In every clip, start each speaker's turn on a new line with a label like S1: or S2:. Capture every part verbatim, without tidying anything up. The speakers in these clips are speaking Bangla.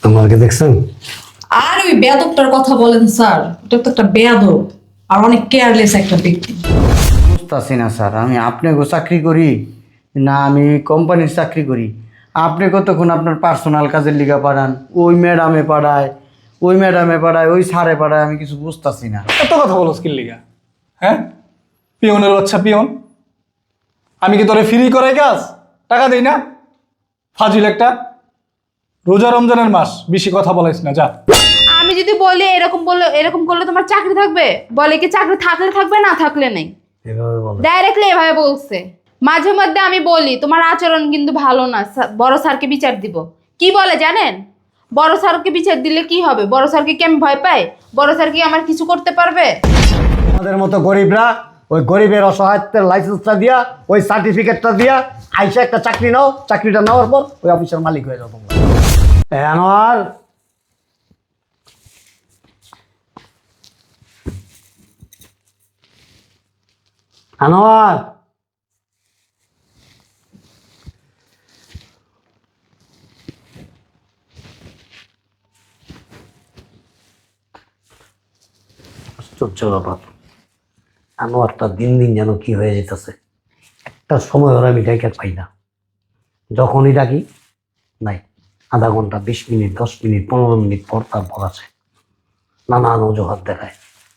S1: আমাকে দেখছেন?
S2: আর ওই বেয়াদবটার কথা বলেন স্যার, এটা তো একটা বেয়াদব আর অনেক কেয়ারলেস একটা ব্যক্তি।
S3: বুঝতেছি না স্যার, আমি আপনাকেও চাকরি করি না আমি কোম্পানির চাকরি করি। আপনি কতক্ষণ আপনার পার্সোনাল কাজের লিগা পাঠান, ওই ম্যাডামে পাঠায়, ওই ম্যাডামে পাঠায়, ওই স্যারে পাঠায়, আমি কিছু বুঝতেছি না।
S4: এত কথা বলো স্কিল লিগা? হ্যাঁ, পিয়নের বাচ্চা পিয়ন। আমি কি তোরে ফ্রি করে কাজ টাকা দেই না? ফাজিল একটা। রোজা রমজানের মাস, বেশি কথা বলাইস না, যা।
S5: আমি যদি বলি এরকম বললে এরকম করলে তোমার চাকরি থাকবে, বলে কি চাকরি থাকলে থাকবে না থাকলে নেই,
S1: এভাবে বলে?
S5: ডাইরেক্টলি এভাবে বলছে। মাঝে মধ্যে আমি বলি তোমার আচরণ কিন্তু ভালো না, স্যার- বড় স্যারকে বিচার দিব। কি বলে জানেন? বড় স্যারকে বিচার দিলে কি হবে? বড় স্যারকে কি আমি ভয় পাই? বড় স্যার কি আমার কিছু করতে পারবে?
S1: আমাদের মতো গরিবরা ওই গরিবের অসহায়ত্বের লাইসেন্সটা দিয়া, ওই সার্টিফিকেটটা দিয়া আইসা একটা চাকরি নাও, চাকরিটা নেওয়ার পর ওই অফিসের মালিক হয়ে যাও তোমরা। এ আনোয়ার, আনোয়ার, আশ্চর্য ব্যাপার, আনোয়ারটা দিন দিন যেন কি হয়ে যেতেছে। একটা সময় ওরা আমি ডাইকা পাই না, যখনই ডাকি নাই, আধা ঘন্টা, বিশ মিনিট, দশ মিনিট, পনেরো মিনিট পর তারপর আছে, নানান অজুহাত দেখায়।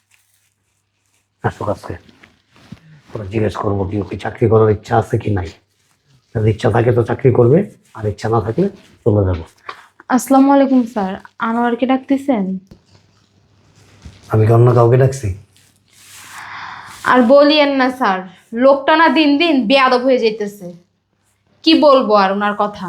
S1: আসো কাছে ওরা জিজ্ঞেস করবো কি ওকে চাকরি করার ইচ্ছা আছে কি নাই। যদি ইচ্ছা থাকে তো চাকরি করবে, আর ইচ্ছা না থাকলে চলে যাবো।
S5: আসসালামু আলাইকুম স্যার, আনোয়ারকে ডাকতেছেন?
S1: আমি কি অন্য কাউকে ডাকছি?
S5: আর বলিয়েন না স্যার, লোকটা না দিন দিন বেয়াদব হয়ে যাইতেছে। কি বলবো আর ওনার কথা।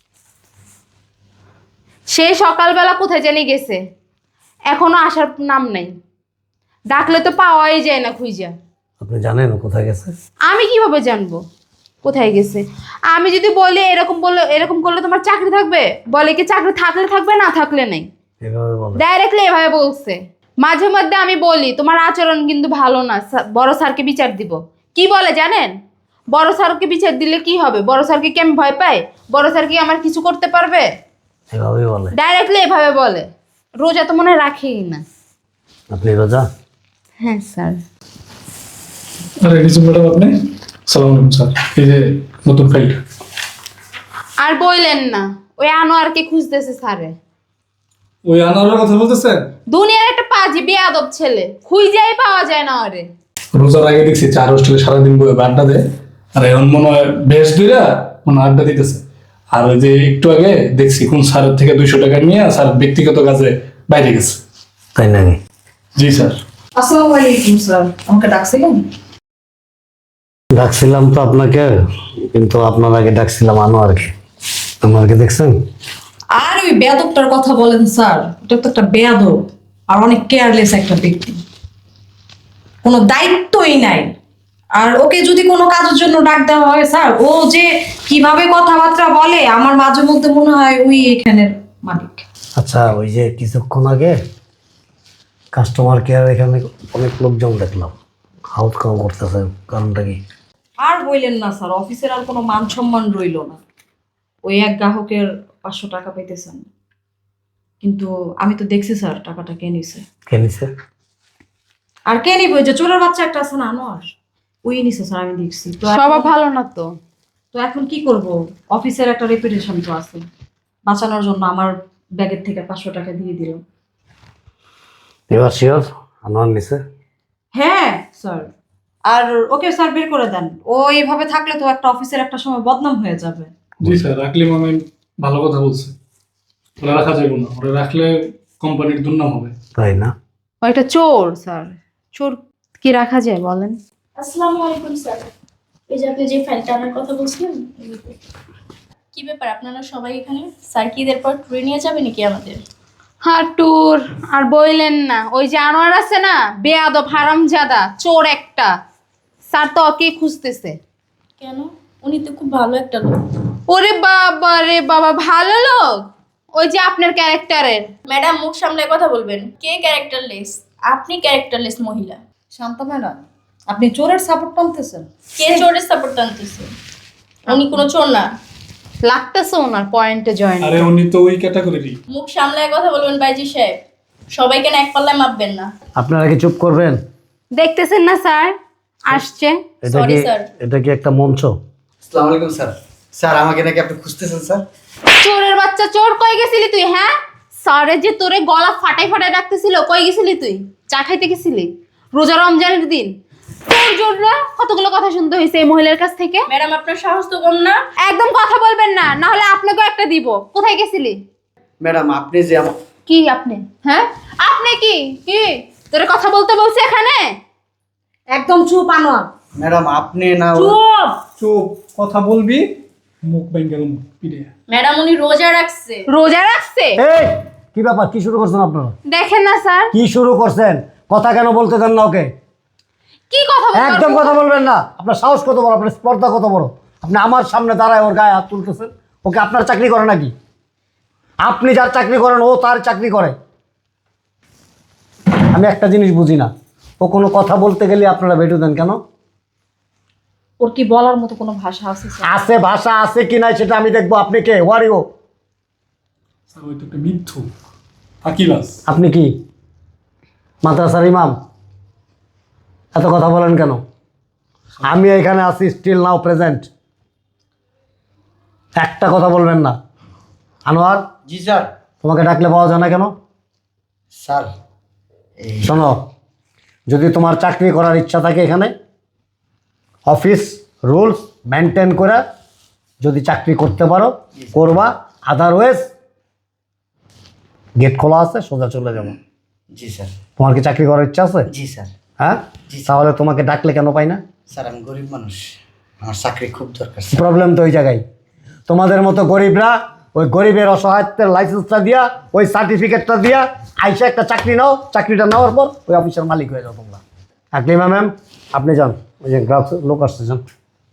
S5: সে সকালবেলা কোথায় জানি গেছে, এখনো আসার নাম নাই। ডাকলে তো পাওয়াই যায় না খুঁজা।
S1: আপনি জানেন ও কোথায় গেছে?
S5: আমি কিভাবে জানবো কোথায় গেছে? আমি যদি বলি এরকম বললে এরকম করলে তোমার চাকরি থাকবে, বলে কি চাকরি থাকলে থাকবে না থাকলে নেই,
S1: এভাবে বলে?
S5: ডাইরেক্টলি এভাবে বলছে। মাঝে মধ্যে আমি বলি তোমার আচরণ কিন্তু ভালো না, স্যার- বড় স্যারকে বিচার দিব। কি বলে জানেন? বড় স্যারকে বিচার দিলে কি হবে? বড় স্যারকে কি আমি ভয় পাই? বড় স্যার কি আমার কিছু করতে পারবে?
S1: এভাবেই বলে?
S5: ডাইরেক্টলি এভাবে বলে। রোজা তো মনে হয় রাখেই না।
S1: আপনি রোজা?
S5: হ্যাঁ স্যার।
S4: আরে কিছু ম্যাডাম আপনি? সালাম আলাইকুম স্যার, এই যে নতুন ফাইল।
S5: আর বললেন না, ওই আনোয়ারকে খুঁজতেছে স্যারে।
S4: ওই আনারের কথা বলতেছেন?
S5: দুনিয়ার একটা পাজি বেয়াদব ছেলে, খুঁজেই পাওয়া যায় না ওরে।
S4: রোজার আগে দেখছি চার হোস্টেলে সারাদিন বয়ে আড্ডা দেয়, আর এখন মনে হয় বেশ দুইরা মনে হয় আড্ডা দিতেছে। আর ওই যে একটু আগে দেখছি কোন স্যারের থেকে দুইশো টাকা নিয়ে স্যার ব্যক্তিগত কাজে বাইরে গেছে।
S1: তাই নাকি?
S4: জি স্যার।
S2: আসসালামু আলাইকুম স্যার, আমাকে ডাকছিলেন?
S1: ডাকছিলাম তো আপনাকে, কিন্তু আপনার আগে ডাকছিলাম আনোয়ারকে। আনোয়ারকে দেখছেন?
S2: আর ওই বেয়াদবটার কথা বলেন স্যার, এটা তো একটা বেয়াদব আর অনেক কেয়ারলেস একটা ব্যক্তি। কোনো দায়িত্বই নাই। আর ওকে যদি কোনো কাজের জন্য ডাক দেওয়া হয় স্যার, ও যে কিভাবে কথাবার্তা বলে আমার মাঝে মধ্যে মনে হয় ওই এখানের মালিক।
S1: আচ্ছা, ওই যে কিছুক্ষণ আগে কাস্টমার কেয়ার এখানে অনেক লোকজন দেখলাম, হাউস খাওয়া করতেছে, কারণটা কি?
S2: আর বললেন না স্যার, অফিসের আর কোনো মান সম্মান রইল না। ওই এক গ্রাহকের পাঁচশো টাকা পাইতেছেন, কিন্তু আমি তো দেখছি স্যার টাকাটা কে নিছে।
S1: কে নিছে?
S2: আর কে নিবে? ওই যে চোরের বাচ্চা একটা আছে না, আনোয়ার, ওই নিছে স্যার, আমি দেখছি তো। এখন-
S5: স্বভাব ভালো না তো।
S2: তো এখন কি করব? অফিসের একটা রেপুটেশন তো আছে, বাঁচানোর জন্য আমার ব্যাগের থেকে পাঁচশো টাকা দিয়ে দিল।
S1: এবার শিওর আনোয়ার নিছে?
S2: হ্যাঁ স্যার। আর ওকে স্যার বের করে দেন, ও এইভাবে থাকলে তো একটা অফিসের একটা সময় বদনাম হয়ে যাবে।
S4: জি স্যার, রাখলে মানে ভালো কথা বলছে। ওরা রাখা যাবে না, ওরা রাখলে কোম্পানির দুর্নাম হবে।
S1: তাই না?
S5: ওইটা চোর স্যার, চোর কি রাখা যায় বলেন?
S6: আসসালামু আলাইকুম স্যার, এই যে আপনি যে ফাইলটা আনার কথা বলছিলেন, কি ব্যাপার আপনারা সবাই এখানে? স্যার কি ঈদের পর ট্যুরে নিয়ে যাবে নাকি আমাদের?
S5: হ্যাঁ ট্যুর। আর বইলেন না, ওই যে আনোয়ার আছে না, বেয়াদব হারামজাদা চোর একটা, স্যার তো ওকে খুঁজতেছে।
S6: কেন? উনি তো খুব ভালো একটা লোক।
S5: ওরে বাবা রে বাবা, ভালো লোক? ওই যে আপনার ক্যারেক্টারের।
S6: ম্যাডাম মুখ সামলে কথা বলবেন। কে ক্যারেক্টারলেস? আপনি ক্যারেক্টারলেস মহিলা।
S2: শান্ত ম্যাডাম, আপনি চোরের সাপোর্ট টানতেছেন।
S6: কে চোরের সাপোর্ট টানতেছে? উনি কোনো চোর না।
S5: লাগতেছে ওনার পয়েন্টে জয়েন।
S4: আরে উনি তো ওই ক্যাটাগরি।
S6: মুখ সামলায় কথা বলবেন বাইজি সাহেব, সবাইকে না এক পাল্লায় মাপবেন না।
S1: আপনারা কি চুপ করবেন?
S5: দেখতেছেন না স্যার আসছে।
S1: এটা
S6: Sorry,
S1: কি
S6: sir.
S1: এটা কি একটা মঞ্চ?
S3: আসসালামু আলাইকুম স্যার। স্যার আমাকে নাকি আপনি খুঁজতেছেন স্যার?
S5: চোরের বাচ্চা চোর, কই গেছিলি তুই? হ্যাঁ, স্যারে যে তোরে গলা ফাটাই ফাটাই ডাকতেছিল, কই গেছিলি তুই? চা খাইতে গেছিলি রোজা রমজানের দিন? তোর জন্য কতগুলো কথা শুনতে হয়েছে এই মহিলার কাছ থেকে।
S6: ম্যাডাম আপনার সাহস তো কম না।
S5: একদম কথা বলবেন না, না হলে আপনাকেও একটা দিব। কোথায় গেছিলি?
S3: ম্যাডাম আপনি যে আমার
S5: কি আপনি? হ্যাঁ আপনি কি কি তোরে কথা বলতে বলছে এখানে?
S2: একদম চুপ আনোয়ার,
S3: ম্যাডাম আপনি না
S2: চুপ।
S4: চুপ, কথা বলবি মুখ ব্যাঙ্গের পিড়ে।
S6: ম্যাডাম উনি রোজা রাখছে।
S5: রোজা রাখছে?
S1: এই কি ব্যাপার? কি শুরু করছেন আপনারা?
S5: দেখেন না স্যার,
S1: কি শুরু করছেন? কথা কেন বলতে দেন না ওকে?
S5: কি কথা বলবো?
S1: একদম কথা বলবেন না। আপনার সাহস কত বড়, আপনার স্পর্ধা কত বড়? আপনি আমার সামনে দাঁড়ায় ওর গায়ে হাত তুলতেছেন। ওকে আপনার চাকরি করে নাকি? আপনি যার চাকরি করেন ও তার চাকরি করে। আমি একটা জিনিস বুঝি না, ও কোনো কথা বলতে গেলে আপনারা বেটু দেন কেন?
S2: ওর কি বলার মতো কোনো ভাষা আছে স্যার?
S1: আছে, ভাষা আছে কি নাই সেটা আমি দেখবো। আপনি কে? ওয়ারিও?
S4: স্যার ওই তো একটা মিথ্যু ফাঁকিবাজ।
S1: আপনি কি মাদ্রাসার ইমাম? এত কথা বলেন কেন? আমি এখানে আছি, স্টিল নাও প্রেজেন্ট। একটা কথা বলবেন না। আনোয়ার,
S3: জি স্যার।
S1: তোমাকে ডাকলে পাওয়া যায় না কেন?
S3: স্যার এই
S1: শোনো, যদি তোমার চাকরি করার ইচ্ছা থাকে এখানে অফিস রুলস মেনটেন করে যদি চাকরি করতে পারো করবা, আদারওয়াইজ গেট খোলা আছে, সোজা চলে যাবো।
S3: জি স্যার।
S1: তোমার কি চাকরি করার ইচ্ছা আছে?
S3: জি স্যার।
S1: হ্যাঁ, তাহলে তোমাকে ডাকলে কেন পাই না?
S3: স্যার আমি গরিব মানুষ, আমার চাকরি খুব দরকার স্যার।
S1: প্রবলেম তো ওই জায়গায়। তোমাদের মতো গরিবরা ওই গরিবের অসহায়ত্বের লাইসেন্সটা দিয়া, ওই সার্টিফিকেটটা দিয়া আইসা একটা চাকরি নাও, চাকরিটা নেওয়ার পর ওই অফিসের মালিক হয়ে যাও তোমরা। আকলিমা ম্যাম আপনি যান, ওই যে গ্রাহক লোক আসছে, যান।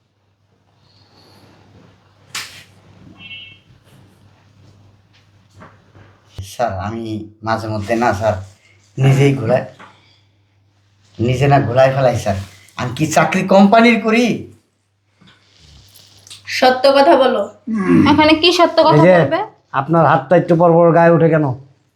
S3: স্যার আমি মাঝে মধ্যে না স্যার নিজেই ঘোরায় নিজে না ঘোরায় ফেলাই স্যার। আমি কি চাকরি কোম্পানির করি?
S6: সত্য কথা বলো।
S5: এখানে কি সত্য
S1: এই
S5: কথা
S1: যে
S5: বলবে?
S1: আপনার হাতটা একটু পর পর গায়ে ওঠে কেন?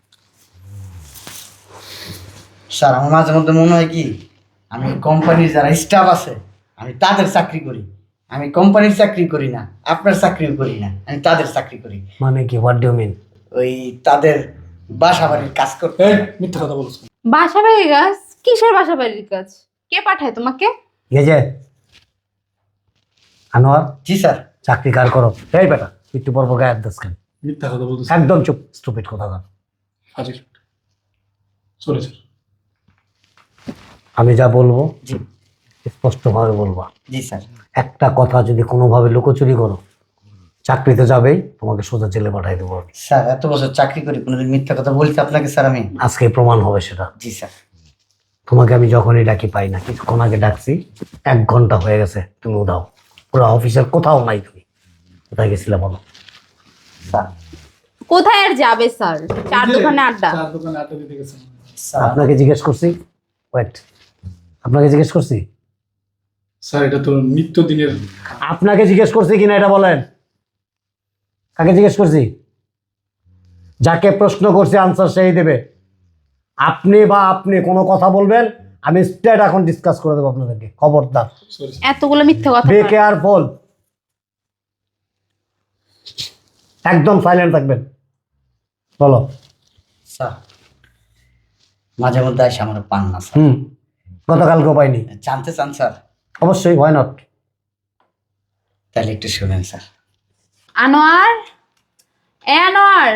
S3: স্যার আমার মাঝে মধ্যে মনে হয় কি আমি কোম্পানির যারা স্টাফ আছে আমি তাদের চাকরি করি। আমি কোম্পানির চাকরি করি না, আপনার চাকরিও করি না, আমি তাদের চাকরি করি।
S1: মানে কি? What do mean?
S3: ওই তাদের বাসা বাড়ির কাজ করতে।
S4: এই মিথ্যা কথা বলছো।
S5: বাসা বাড়ির কাজ? কিসের বাসা বাড়ির কাজ? কে পাঠায় তোমাকে?
S1: এই যে আনোয়ার,
S3: জি স্যার।
S1: চাকরি কার করো? এই বেটা একটু পর পর গায়ে হাত দিস কেন?
S4: মিথ্যা কথা বলছো।
S1: একদম চুপ, স্টুপিড কথা বল।
S4: হাজির চলে স্যার।
S1: আমি যা বলবো
S3: জি
S1: স্পষ্টভাবে বলবা।
S3: জি স্যার।
S1: একটা কথা যদি কোনোভাবে লুকোচুরি করো চাকরিতে যাবেই, তোমাকে সোজা জেলে পাঠাই দেবো।
S3: স্যার এত বছর চাকরি করি কোনোদিন মিথ্যা কথা বলছি আপনাকে স্যার আমি?
S1: আজকে প্রমাণ হবে সেটা।
S3: জি স্যার।
S1: তোমাকে আমি যখনই ডাকি পাই না, কিছুক্ষণ আগে ডাকছি, এক ঘন্টা হয়ে গেছে তুমি উঠাও। পুরো অফিসের কোথাও নাই, তুমি কোথায় গেছিলে বলো?
S3: স্যার
S5: কোথায় আর যাবে স্যার? চার দোকানে আড্ডা।
S4: চার দোকানে আড্ডা দিতে গেছেন।
S3: স্যার
S1: আপনাকে জিজ্ঞেস করছি, ওয়েট, আপনাকে জিজ্ঞেস করছি,
S4: স্যার এটা তো নিত্য দিনের।
S1: আপনাকে জিজ্ঞেস করছি কিনা এটা বলেন। কাকে জিজ্ঞেস করছি? যাকে প্রশ্ন করছি আনসার সেই দেবে। আপনি বা আপনি কোনো কথা বলবেন, আমি স্ট্রেট এখন ডিসকাস করে দেবো আপনাদেরকে। খবরদার,
S4: সরি
S5: এতগুলো মিথ্যে কথা
S1: বি
S5: বলে।
S1: কেয়ারফুল, একদম সাইলেন্ট থাকবেন। বলো।
S3: স্যার মাঝে মধ্যে আসে আমার পান না স্যার।
S1: হুম, গতকালকেও পাইনি।
S3: জানতে চান স্যার?
S1: অবশ্যই, হোয়াই নট।
S3: তাহলে একটু শুনেন স্যার।
S5: আনোয়ার, এ আনোয়ার।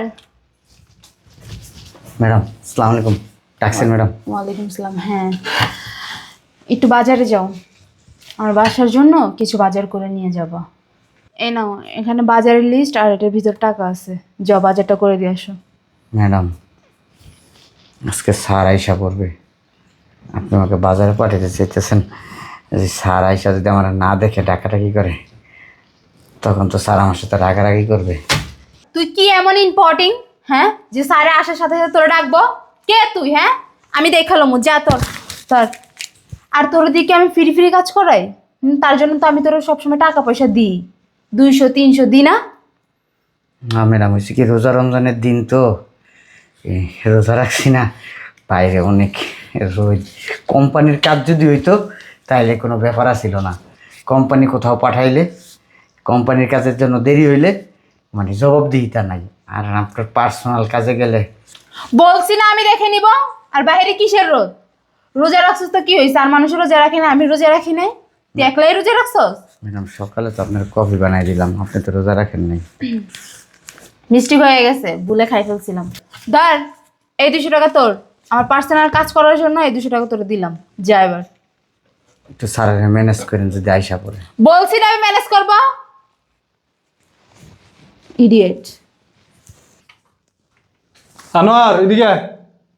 S3: ম্যাডাম আসসালামু আলাইকুম। ডাকছেন ম্যাডাম?
S5: ওয়ালাইকুম সালাম। হ্যাঁ, একটু বাজারে যাও, আমার বাসার জন্য কিছু বাজার করে নিয়ে যাব। এই নাও, এখানে বাজারের লিস্ট আর এটার ভিতর টাকা আছে, যাও বাজারটা করে দিয়ে আসো।
S3: ম্যাডাম আজকে স্যার আইসা পড়বে, আপনি আমাকে বাজারে পাঠাতে চাইতেছেন। যদি স্যার আইসা যদি আমার না দেখে ডাকাডাকি করে তখন তো স্যার আমার সাথে রাগারাগি করবে।
S5: তুই কি এমন ইম্পর্টিং, হ্যাঁ, যে স্যারে আসার সাথে সাথে তোরা ডাকবো? কে তুই? হ্যাঁ, আমি দেখালাম যা তোর স্যার। আর তোর দিকে আমি ফ্রি ফ্রি কাজ করাই? হুম, তার জন্য তো আমি তোর সবসময় টাকা পয়সা দিই, দুইশো তিনশো দিই না?
S3: না ম্যাডাম, হয়েছে কি রোজা রমজানের দিন তো এই রোজা রাখছি না, বাইরে অনেক রোজ। কোম্পানির কাজ যদি হইতো তাইলে কোনো ব্যাপার ছিল না। কোম্পানি কোথাও পাঠাইলে কোম্পানির কাজের জন্য দেরি হইলে মানে জবাবদিহিতা নাই, আর আপনার পার্সোনাল কাজে গেলে
S5: বলছি না আমি দেখে নিব। আর বাইরে কিসের রোদ? রোজা রাখছিস তো কি হয়েছে? আর মানুষ রোজা রাখে না, আমি রোজা রাখি নাই? তুই একলাই রোজা রাখছস?
S3: ম্যাডাম সকালে তো আপনার কফি বানাই দিলাম, আপনি তো রোজা রাখেন নাই।
S5: মিষ্টি হয়ে গেছে, ভুলে খাই ফেলছিলাম। ধর, এই দুশো টাকা তোর, আমার পার্সোনাল কাজ করার জন্য এই দুশো টাকা তোর দিলাম। যা এবার।
S3: একটু স্যারের ম্যানেজ করেন যদি আইসা পড়ে।
S5: বলছি না আমি ম্যানেজ করব। ইডিয়েট।
S4: আনোয়ার এদিকে আয়।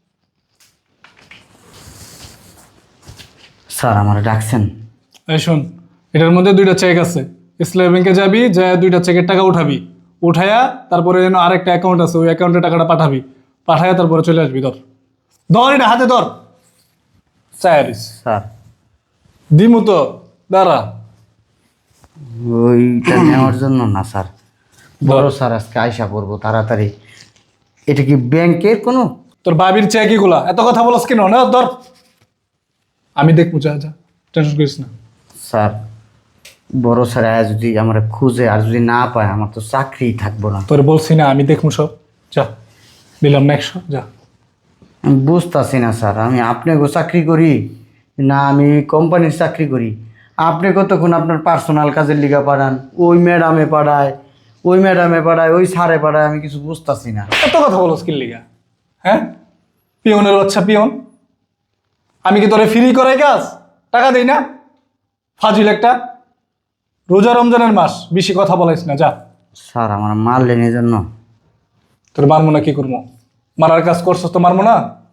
S3: স্যার আমার ডাকছেন?
S4: এই শোন, এটার মধ্যে দুইটা চেক আছে। ইসলামী ব্যাংকে যাবি, যা দুইটা চেকের টাকা উঠাবি, উঠায়া তারপরে যেন আরেকটা অ্যাকাউন্ট আছে, ওই অ্যাকাউন্টে টাকাটা পাঠাবি, পাঠায়া তারপরে চলে আসবি। ধর ধর এটা হাতে ধর। চায়ারিস
S3: স্যার
S4: দিমু তো, দাঁড়া।
S3: ওইটা নেওয়ার জন্য না স্যার, বড় স্যার আজকে আইসা পড়বো তাড়াতাড়ি। এটা কি ব্যাংকের কোনো?
S4: তোর বাবির চেক এগুলা, এত কথা বলস কেন? না ধর, আমি দেখবো, যা যা, টেনশন করিস না।
S3: স্যার বড় স্যার আয়া যদি আমার খুঁজে আর যদি না পায়, আমার তো চাকরিই থাকবো না।
S4: তোর বলছি না আমি দেখবো সব, যা দিলাম না একশো, যা।
S3: আমি বুঝতেছি না স্যার, আমি আপনাকেও চাকরি করি না আমি কোম্পানির চাকরি করি? আপনি কতক্ষণ আপনার পার্সোনাল কাজের লিগা পাঠান, ওই ম্যাডামে পাঠায়, ওই ম্যাডামে পাঠায়, ওই স্যারে পাঠায়, আমি কিছু বুঝতেছি না।
S4: এত কথা বলস কি লিগা? হ্যাঁ, পিয়নের বাচ্চা পিয়ন। আমি কি তোরে ফ্রি করাই কাজ? টাকা দেই না? ফাজিল একটা। রোজা রমজানের মাস, বেশি কথা বলাইস না, যা।
S3: স্যার আমার মারলেন এই জন্য?
S4: তোর মারবো না, কি করবো? মারার কাজ করছস তো মারবো না?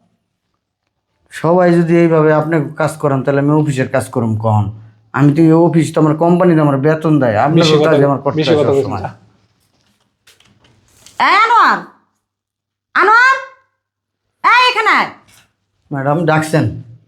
S3: সবাই যদি এইভাবে আপনি কাজ করেন তাহলে আমি অফিসের কাজ করুম কখন? আমি তো এই অফিস তো আমার কোম্পানিতে আমার বেতন দেয়, আপনার
S4: বেশি কথা
S3: কাজ আমার করতে
S4: বেশি
S3: হয়
S4: কথা বলিস
S3: সবসময়।
S4: না, যা।
S2: এই আনোয়ার, আনোয়ার, এই এখানে আয়।
S3: ম্যাডাম ডাকছেন?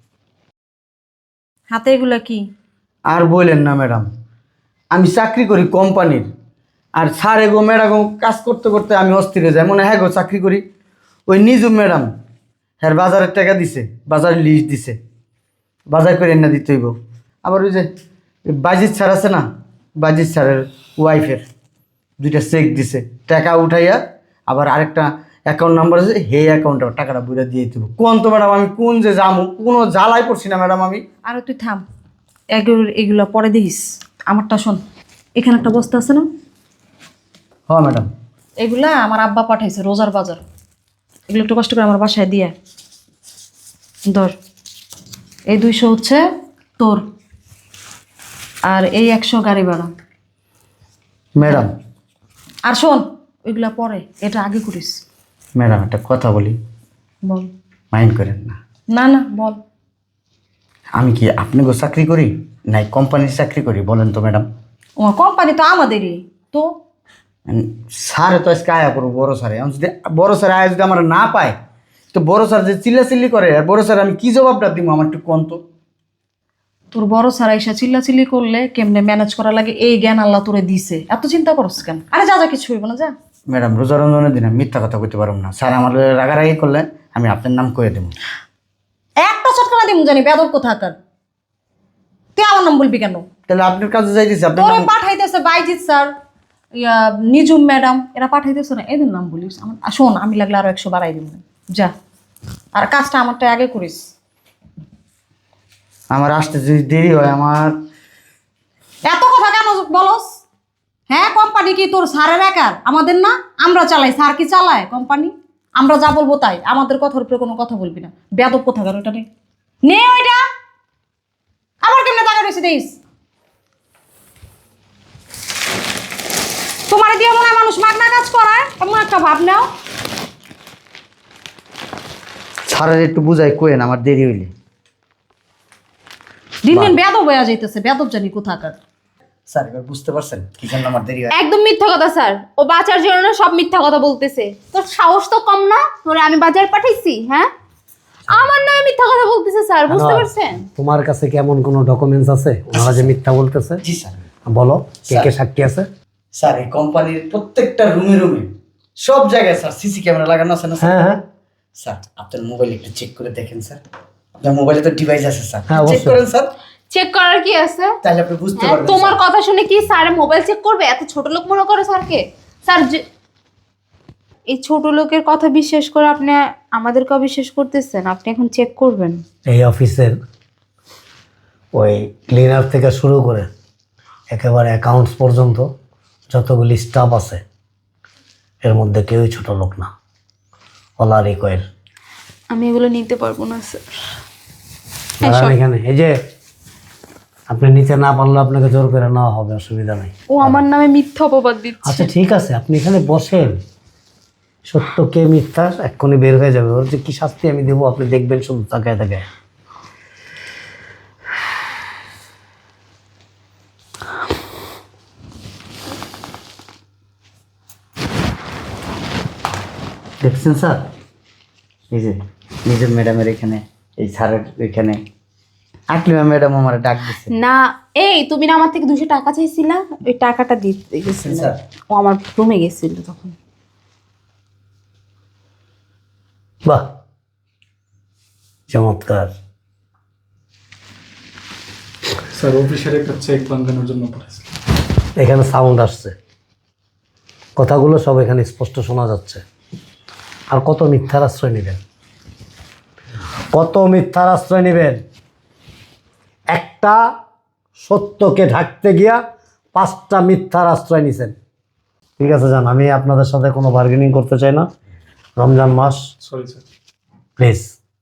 S2: হাতে এগুলা কি?
S3: আর বললেন না ম্যাডাম, আমি চাকরি করি কোম্পানির, আর স্যার এগো ম্যাডাম কাজ করতে করতে আমি অস্থির হয়ে যাই, মনে হয় হ্যাঁ গো চাকরি করি। ওই নিজুম ম্যাডাম হ্যাঁ বাজারের টাকা দিছে, বাজারের লিস্ট দিছে, বাজার করে এনে দিতে হইব। আবার ওই যে বাজিৎ স্যার আছে না, বাজিৎ স্যারের ওয়াইফের দুইটা চেক দিছে, টাকা উঠাইয়া আবার আরেকটা অ্যাকাউন্ট নাম্বার আছে, হে অ্যাকাউন্টে টাকাটা বুঝে দিয়ে দেব। কোন তো ম্যাডাম আমি কোন যে যাবো, কোনো জ্বালাই পড়ছি না ম্যাডাম আমি।
S2: আর তুই থাম, এগুলো এগুলো পরে দিস। আমারটা শোন, এখানে একটা বস্তা আছে না,
S3: হ্যাঁ ম্যাডাম।
S2: এগুলা আমার আব্বা পাঠাইছে রোজার বাজার, এগুলো একটু কষ্ট করে আমার বাসায় দিয়ে ধর। এই দুইশো হচ্ছে তোর, আর এই একশো গাড়ি ভাড়া।
S3: ম্যাডাম
S2: আর শোন, ওইগুলা পরে, এটা আগে করিস।
S3: ম্যাডাম একটা কথা বলি,
S2: বল।
S3: মাইন্ড করেন না।
S2: না না বল।
S3: আমি কি আপনাকে চাকরি করি নাই কোম্পানির চাকরি করি বলেন তো ম্যাডাম?
S2: ও কোম্পানি তো আমাদেরই তো।
S3: স্যারে তো আজকে আয়া করবো বড় স্যারে, আমি যদি বড় স্যার আয়া যদি আমার না পায়, তো বড় স্যার যে চিল্লাচিল্লি করে, আর বড় স্যার আমি কি জবাবটা দিব আমার একটু কোন তো?
S2: তোর বড় সারা এসে চিল্লাচিল্লি করলে কেমনে ম্যানেজ করা লাগে এই জ্ঞান আল্লাহ তোরে দিছে, এত চিন্তা করস কেন? আরে যা যা, কিছু হইব না, যা।
S3: ম্যাডাম রোজা রমজানের দিন আমি মিথ্যা কথা কইতে পারবো না, স্যার আমার রাগারাগি করলে আমি আপনার নাম কয়ে দেবো।
S2: একটা চটকানা দিমু জানি বেদব কোথাকার। তুই আমার নাম বলবি কেন?
S3: তাহলে আপনার কাছে যাইতেছি, আপনার
S2: তোরে
S3: নাম
S2: পাঠাইতেছে বাইজিৎ স্যার, ইয়া নিজুম ম্যাডাম, এরা পাঠাইতেছে না, এদের নাম বলিস। আমার আর শোন, আমি লাগলে আরো একশো বাড়াই দিব, যা। আর কাজটা আমারটা আগে করিস।
S3: আমার আসতে যদি দেরি হয় আমার।
S2: এত কথা কেন বলস? হ্যাঁ, কোম্পানি কি তোর স্যারের একার? আমাদের না, আমরা চালাই, স্যার কি চালায় কোম্পানি? আমরা যা বলবো তাই, আমাদের কথার উপরে কোনো কথা বলবি না। বেদব কোথাকার, ওটা নে, নে ওইটা। আবার কেমনে টাকা রয়েছে দিস? তোমার দিয়ে মনে হয় মানুষ মাগনা কাজ করায়, এমন একটা ভাব নাও।
S3: স্যারের একটু বুঝাই কোয়েন আমার দেরি হইলে।
S2: দিন দিন বেদব হয়ে যাইতেছে, বেদব জানি কোথাকার।
S3: স্যার এবার বুঝতে পারছেন কি জন্য আমার দেরি হয়?
S5: একদম মিথ্যা কথা স্যার, ও বাঁচার জন্য না সব মিথ্যা কথা বলতেছে। তোর সাহস তো কম না, তোরে আমি বাজার পাঠাইছি? হ্যাঁ, আমার নামে মিথ্যা কথা বলতেছে স্যার, বুঝতে পারছেন?
S1: তোমার কাছে কি এমন কোনো ডকুমেন্টস আছে ওনারা যে মিথ্যা বলতেছে?
S3: জি স্যার।
S1: বলো, কে কে সাক্ষী আছে?
S3: স্যার এই কোম্পানির প্রত্যেকটা রুমে রুমে সব জায়গায় স্যার সিসি ক্যামেরা লাগানো আছে না স্যার?
S1: হ্যাঁ হ্যাঁ
S3: স্যার আপনার মোবাইল একটু চেক করে দেখেন স্যার। আপনার মোবাইলে তো ডিভাইস আছে স্যার,
S1: হ্যাঁ,
S3: চেক
S1: অবশ্যই।
S3: করেন স্যার,
S5: চেক করার কি আছে?
S3: তাহলে আপনি বুঝতে
S5: হ্যাঁ,
S3: পারবেন।
S5: তোমার
S3: স্যার।
S5: কথা শুনে কি স্যার মোবাইল চেক করবে? এত ছোট লোক মনে করে স্যারকে? স্যার যে- এই ছোট লোকের কথা বিশ্বাস করে আপনি আমাদেরকে অবিশ্বাস করতেছেন। আপনি এখন চেক করবেন।
S1: এই অফিসের ওই ক্লিনার থেকে শুরু করে একেবারে অ্যাকাউন্টস পর্যন্ত যতগুলি স্টাফ আছে এর মধ্যে কেউই ছোট লোক না, ওলা রিকোয়েল।
S5: আমি এগুলো নিতে পারবো না স্যার।
S1: দাঁড়ান এখানে, এই যে আপনি নিতে না পারলে আপনাকে জোর করে নেওয়া হবে, অসুবিধা নেই।
S5: ও আমার নামে মিথ্যা অপবাদ দিচ্ছে।
S1: আচ্ছা ঠিক আছে, আপনি এখানে বসেন, সত্য কে মিথ্যা এক্ষুনি বের হয়ে যাবে। ওর যে কি শাস্তি আমি দেবো আপনি দেখবেন শুধু তাকায় তাকায়।
S3: দেখছেন স্যার, এই যে নিজের ম্যাডামের এখানে, এই স্যারের এখানে আকলিমা ম্যাডাম আমার ডাক দিচ্ছে।
S5: না, এই তুমি না আমার থেকে দুশো টাকা চাইছিলা, ওই টাকাটা দিতে গেছিল।
S3: স্যার।
S5: ও আমার রুমে গেছিল তখন।
S1: বাহ, চমৎকার।
S4: স্যার অফিসের একটা চেক বাঁধানোর জন্য পড়েছে।
S1: এখানে সাউন্ড আসছে, কথাগুলো সব এখানে স্পষ্ট শোনা যাচ্ছে। আর কত মিথ্যার আশ্রয় নেবেন, কত মিথ্যার আশ্রয় নেবেন? একটা সত্যকে ঢাকতে গিয়া পাঁচটা মিথ্যার আশ্রয় নিছেন। ঠিক আছে যান, আমি আপনাদের সাথে কোনো বার্গেনিং করতে চাই না। রমজান মাস,
S4: সরি স্যার।
S1: প্লিজ।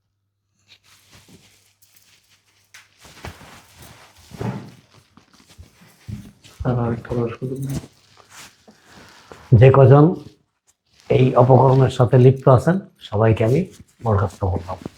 S4: আর আরেকটা বার সুযোগ নেই।
S1: যে কজন এই অপকর্মের সাথে লিপ্ত আছেন সবাইকে আমি বরখাস্ত করলাম।